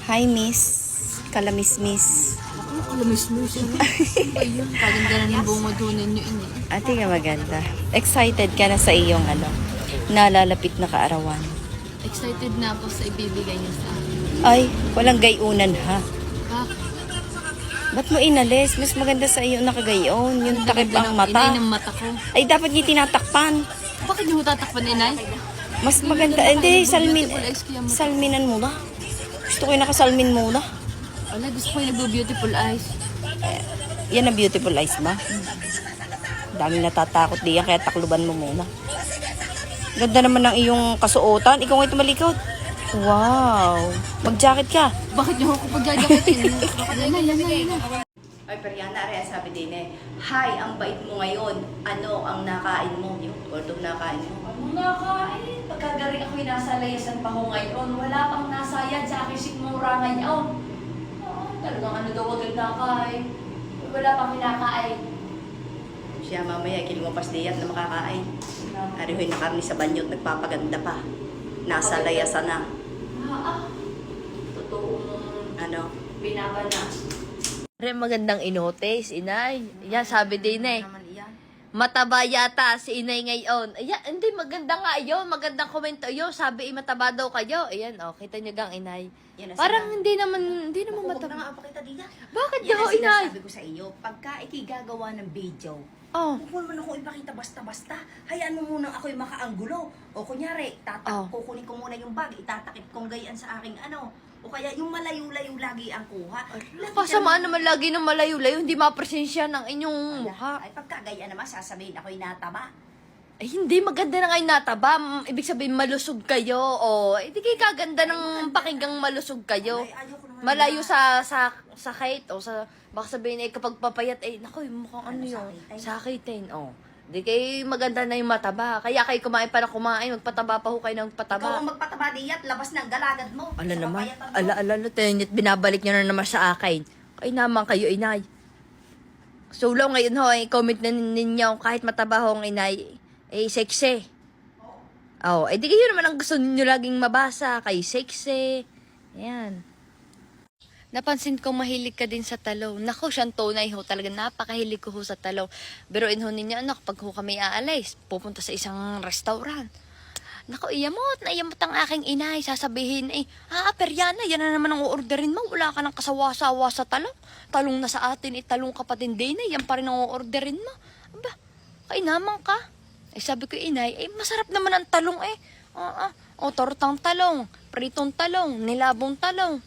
Hi, Miss. Kalamismis. Ako, kalamis-mis. Ano ba yun? Kaganda na ng bungod ho ninyo ini. Ate ka maganda. Excited ka na sa iyong nalalapit na kaarawan. Excited na ako sa ibibigay niyo sa akin. Ay, walang gayunan ha. Bakit? Ba't mo inalis? Mas maganda sa iyo nakagayon. Yung takip ang Inay mata. ng mata ko. Ay, dapat niya tinatakpan. Bakit niyo tatakpan, inay? Mas maganda. Hindi, salminan mo na. Gusto ko yung nakasalmin muna. Wala, gusto ko yung nagbo-beautiful eyes. Yan ang beautiful eyes ba? Daming natatakot diyan, kaya takluban mo muna. Ganda naman ng iyong kasuotan. Ikaw nga tumalikod. Wow. Mag-jacket ka. Bakit niyo ako pagjajakitin? Yan. Ay, Periana, rin sabi din hi, ang bait mo ngayon. Ano ang nakain mo? Yung although nakain mo. Ano nakain? Pagkagaling ako'y nasa layasan pa ko ngayon. Wala pang nasayad sa aking sikmura ngayon. Talagang ano daw agad nakain. Wala pang kinakain. Siya mamaya, kilumapas diyan na makakain. Arihoy na karni sa banyot, nagpapaganda pa. Nasa layasan na. Totoo mong Ano? binabana. Magandang inotes, inay. Yan, sabi din Naman iyan. mataba yata si inay ngayon. Ayan, hindi, maganda nga yun. Magandang komento yun. Sabi, mataba daw kayo. Ayan, kita nyo gang, inay. Yan ang Parang sinabi. hindi naman Huwag mataba. na nga pakita diyan. Bakit Yan daw, ang inay? sinasabi ko sa iyo. Pagka ikigagawa ng video, Oh, huwag mo naman akong ipakita basta-basta. Hayaan mo muna ako'y makaanggulo. O kunyari, kukunin ko muna yung bag, itatakip kong gayaan sa aking O kaya yung malayo-layo lagi ang kuha. kasamaan naman lagi ng malayo-layo. Hindi mapresensya ng inyong mukha. Ay, pagka gayaan naman, sasabihin ako'y nataba. Ay, hindi. Maganda na ngayon nataba. Ibig sabihin, malusog kayo. O, hindi kayo kaganda ng pakinggang malusog kayo. Ay, ayoko naman Malayo na- sa sakit. O sa, baka sabihin, kapag papayat, naku, mukhang ano yun. sakitin? Sakitin. O. Hindi kayo maganda na yung mataba. Kaya kayo kumain pa na kumain. Magpataba pa ho kayo ng Ikaw pataba. ang magpataba diyat, labas ng galagad mo. Ala Sa naman. papayatan mo. Ala, tenit, binabalik nyo na naman sa akin. Ay naman kayo, inay. So, long ngayon ho, comment na ninyo, kahit mataba ho ang inay, sexy. Oh, di kayo naman ang gusto ninyo laging mabasa, kay sexy. Ayan. Napansin ko mahilig ka din sa talong. Naku, siyang tunay ho. Talaga napakahilig ko ho sa talong. Biruin ho ninyo, anak, pag ho kami aalis, pupunta sa isang restaurant. Naku, iyamot ang aking inay. Sasabihin, Periana, yan na naman ang uorderin mo. Wala ka ng kasawa-sawa sa talong. Talong na sa atin, talong kapatid din yan pa rin ang uorderin mo. Aba, kainaman ka. Sabi ko, inay, masarap naman ang talong tortang talong, pritong talong, nilabong talong.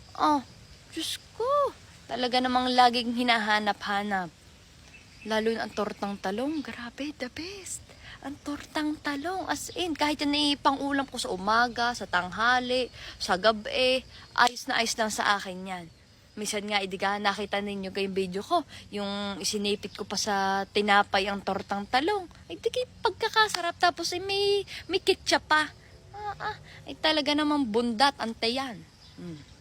Diyos ko, talaga namang laging hinahanap-hanap. Lalo na ang tortang talong, grabe, the best. Ang tortang talong, as in, kahit yan pang-ulam ko sa umaga, sa tanghali, sa gabi, ayos na ayos lang sa akin yan. Minsan nga, nakita ninyo kayong video ko, yung isinipit ko pa sa tinapay ang tortang talong. Pagkakasarap, tapos may ketchup pa. Talaga namang bundat, ante yan.